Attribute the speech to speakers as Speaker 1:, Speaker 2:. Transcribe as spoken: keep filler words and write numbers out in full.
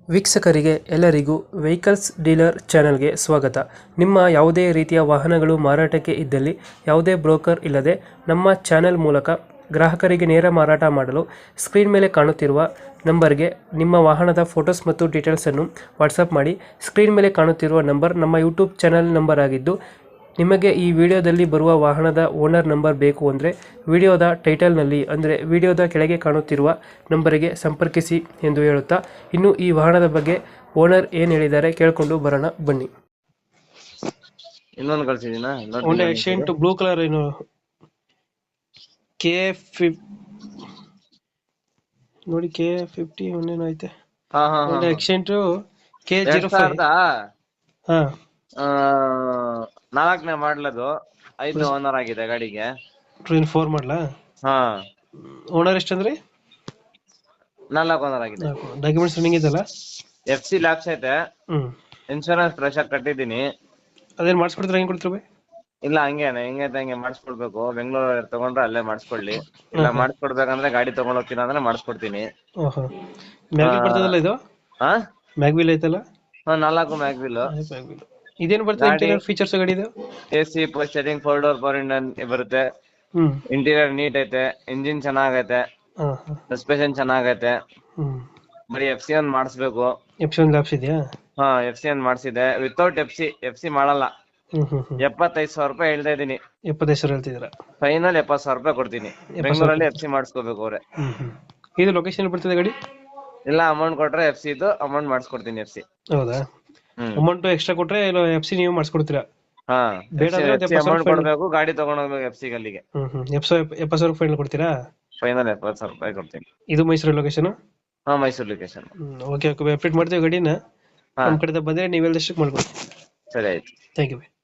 Speaker 1: ವೀಕ್ಷಕರಿಗೆ ಎಲ್ಲರಿಗೂ vehicles dealer ಚಾನೆಲ್ಗೆ ಸ್ವಾಗತ. ನಿಮ್ಮ ಯಾವುದೇ ರೀತಿಯ ವಾಹನಗಳು ಮಾರಾಟಕ್ಕೆ ಇದ್ದಲ್ಲಿ ಯಾವುದೇ ಬ್ರೋಕರ್ ಇಲ್ಲದೆ ನಮ್ಮ ಚಾನೆಲ್ ಮೂಲಕ ಗ್ರಾಹಕರಿಗೆ ನೇರ ಮಾರಾಟ ಮಾಡಲು ಸ್ಕ್ರೀನ್ ಮೇಲೆ ಕಾಣುತ್ತಿರುವ ನಂಬರ್ಗೆ ನಿಮ್ಮ ವಾಹನದ ಫೋಟೋಸ್ ಮತ್ತು ಡೀಟೇಲ್ಸನ್ನು ವಾಟ್ಸಪ್ ಮಾಡಿ. ಸ್ಕ್ರೀನ್ ಮೇಲೆ ಕಾಣುತ್ತಿರುವ ನಂಬರ್ ನಮ್ಮ ಯೂಟ್ಯೂಬ್ ಚಾನೆಲ್ ನಂಬರ್ ಆಗಿದ್ದು, ನಿಮಗೆ ಈ ವಿಡಿಯೋದಲ್ಲಿ ಬರುವ ವಾಹನದ ಓನರ್ ನಂಬರ್ ಬೇಕು ಅಂದರೆ ವಿಡಿಯೋದ ಟೈಟಲ್ನಲ್ಲಿ ಅಂದರೆ ವಿಡಿಯೋದ ಕೆಳಗೆ ಕಾಣುತ್ತಿರುವ ನಂಬರಿಗೆ ಸಂಪರ್ಕಿಸಿ ಎಂದು ಹೇಳುತ್ತಾ, ಇನ್ನು ಈ ವಾಹನದ ಬಗ್ಗೆ ಓನರ್ ಏನು ಹೇಳಿದ್ದಾರೆ ಕೇಳಿಕೊಂಡು ಬರೋಣ ಬನ್ನಿ.
Speaker 2: ಇನ್ನೊಂದು ಕಳ್ಸಿದೀನಾ
Speaker 1: ಹೋಂಡಾ ಎಕ್ಸೆಂಟ್ ಬ್ಲೂ ಕಲರ್ ಏನು ಕೆ ನೋಡಿ ಕೆ ಫಿಫ್ಟಿ ಒಂದೇನು ಐತೆ.
Speaker 2: ಹಾ ಹಾ
Speaker 1: Honda Accent K zero five ಹಾ
Speaker 2: ನಾಲ್ಕನೇ ಮಾಡ್ಲದು ಐದು ಓನರ್ ಆಗಿದೆ ಗಾಡಿಗೆ.
Speaker 1: ಟೂ ಇನ್ ಫೋರ್ ಮಾಡಲಾ?
Speaker 2: ಹಾ
Speaker 1: ಓನರ್ ಎಷ್ಟಂದ್ರಿ?
Speaker 2: ನಾಲ್ಕು ಓನರ್ ಆಗಿದೆ.
Speaker 1: ಡಾಕ್ಯುಮೆಂಟ್ಸ್ ರನ್ನಿಂಗ್ ಇದೆಲ್ಲ?
Speaker 2: ಎಫ್ ಸಿ ಲ್ಯಾಪ್ಸ್ ಐತೆ.
Speaker 1: ಹ್ಮ್
Speaker 2: ಇನ್ಶೂರೆನ್ಸ್ ಫ್ರೆಶ್ ಆಗಿ ಕಟ್ಟಿದೀನಿ.
Speaker 1: ಅದೇನ್ ಮಾಡಿಸ್ಕೊಡ್ತೀರಾ? ಹೆಂಗ್ ಕೊಡ್ತೀರಾ?
Speaker 2: ಇಲ್ಲ ಹಂಗೇನೆ ಹೆಂಗೈತೆ ಹಂಗೆ ಮಾಡಿಸ್ಕೊಡ್ಬೇಕು. ಬೆಂಗಳೂರು ತಗೊಂಡ್ರೆ ಅಲ್ಲೇ ಮಾಡಿಸ್ಕೊಳ್ಳಿ, ಇಲ್ಲ ಮಾಡಿಸ್ಕೊಡ್ಬೇಕಂದ್ರೆ ಗಾಡಿ ತಗೊಂಡ್ ಹೋಗ್ತೀನಿ ಅಂದ್ರೆ ಮಾಡಿಸ್ಕೊಡ್ತೀನಿ.
Speaker 1: ಓಹೋ, ಮ್ಯಾಗ್ವಿಲ್ ಬರ್ತದಲ್ಲ ಇದು?
Speaker 2: ಹಾ
Speaker 1: ಮ್ಯಾಗ್ವಿಲ್ ಐತಲ್ಲ?
Speaker 2: ಹಾ ನಾಲ್ಕು ಮ್ಯಾಗ್ವಿಲ್.
Speaker 1: ಇದೇನು ಬರ್ತದೆ ಇಂಟೀರಿಯರ್ ಫೀಚರ್ಸ್ ಗಾಡಿ ಇದು?
Speaker 2: A C post setting four door four ಇಂಡನ್ ಬರುತ್ತೆ.
Speaker 1: ಹ್ಮ್
Speaker 2: ಇಂಟೀರಿಯರ್ ನೀಟ್ ಐತೆ, ಇಂಜಿನ್ ಚೆನ್ನಾಗೈತೆ,
Speaker 1: ಹಾ ಹಾ
Speaker 2: ಸಸ್ಪೆನ್ಷನ್ ಚೆನ್ನಾಗೈತೆ.
Speaker 1: ಹ್ಮ್
Speaker 2: ಬರೀ ಎಫ್ ಸಿ ಒಂದ್ ಮಾಡಿಸ್ಬೇಕು.
Speaker 1: ಎಫ್ ಸಿ ಒಂದು ಲ್ಯಾಪ್ಸ್ ಇದೆಯಾ?
Speaker 2: ಹಾ ಎಫ್ ಸಿ ಒಂದ್ ಮಾಡಿಸಿದೆ without F C. F C ಮಾಡಲ್ಲ.
Speaker 1: ಹ್ಮ್ ಹ್ಮ್ ಹ್ಮ್
Speaker 2: ಎಪ್ಪತ್ತೈದು ಸಾವಿರ ರೂಪಾಯಿ ಹೇಳ್ತಾ ಇದೀನಿ.
Speaker 1: ಎಪ್ಪತ್ತೈದು ಸಾವಿರ ಹೇಳ್ತಿದ್ದೀರಾ?
Speaker 2: ಫೈನಲ್ ಎಪ್ಪತ್ತು ಸಾವಿರ ರೂಪಾಯಿ ಕೊಡ್ತೀನಿ. ಬೆಂಗಳೂರಲ್ಲಿ ಎಫ್ ಸಿ ಮಾಡಿಸ್ಕೋಬೇಕು ಅವ್ರೆ.
Speaker 1: ಹ್ಮ್ ಹ್ಮ್ ಇದು ಲೊಕೇಶನ್ ಬರ್ತದೆ ಗಾಡಿ?
Speaker 2: ಇಲ್ಲ ಅಮೌಂಟ್ ಕೊಟ್ರೆ ಎಫ್ ಸಿ ಇದು ಅಮೌಂಟ್ ಮಾಡಿಸ್ಕೊಡ್ತೀನಿ ಎಫ್ ಸಿ.
Speaker 1: ಹೌದಾ?
Speaker 2: ಹ್ಮ್
Speaker 1: ಅಮೌಂಟ್ ಎಕ್ಸ್ಟ್ರಾ ಕೊಟ್ರೆ ಇಲ್ಲ ಎಫ್ ಸಿ ನೀವು ಮಾಡಿಸ್ಕೊಡ್ತೀರಾ?
Speaker 2: ಹಾ
Speaker 1: ಬೇಡ ಅಂದ್ರೆ
Speaker 2: ಅಮೌಂಟ್ ಕೊಡ್ಬೇಕು, ಗಾಡಿ ತಗೊಂಡ್ ಹೋಗ್ಬೇಕು ಎಫ್ ಸಿ ಗಲ್ಲಿಗೆ.
Speaker 1: ಹ್ಮ್ ಹ್ಮ್ ಎಪ್ಪತ್ತು ಎಪ್ಪತ್ತು ಸಾವಿರ ಫೈನಲ್ ಕೊಡ್ತೀರಾ?
Speaker 2: ಫೈನಲ್ ಎಪ್ಪತ್ತು ಸಾವಿರ ರೂಪಾಯಿ ಕೊಡ್ತೀನಿ.
Speaker 1: ಇದು ಮೈಸೂರು ಲೊಕೇಶನ್?
Speaker 2: ಹಾ Mysuru location.
Speaker 1: Hmm okay okay update ಮಾಡ್ತೀವಿ ಗಾಡಿನ.
Speaker 2: ಹಾ
Speaker 1: ನಮ್ಮ ಕಡೆಯಿಂದ ಬಂದ್ರೆ ನೀವೆಲ್ಲ ಮಾಡ್ಕೊಡ್ತೀವಿ.
Speaker 2: ಸರಿ ಆಯ್ತು.
Speaker 1: Thank you.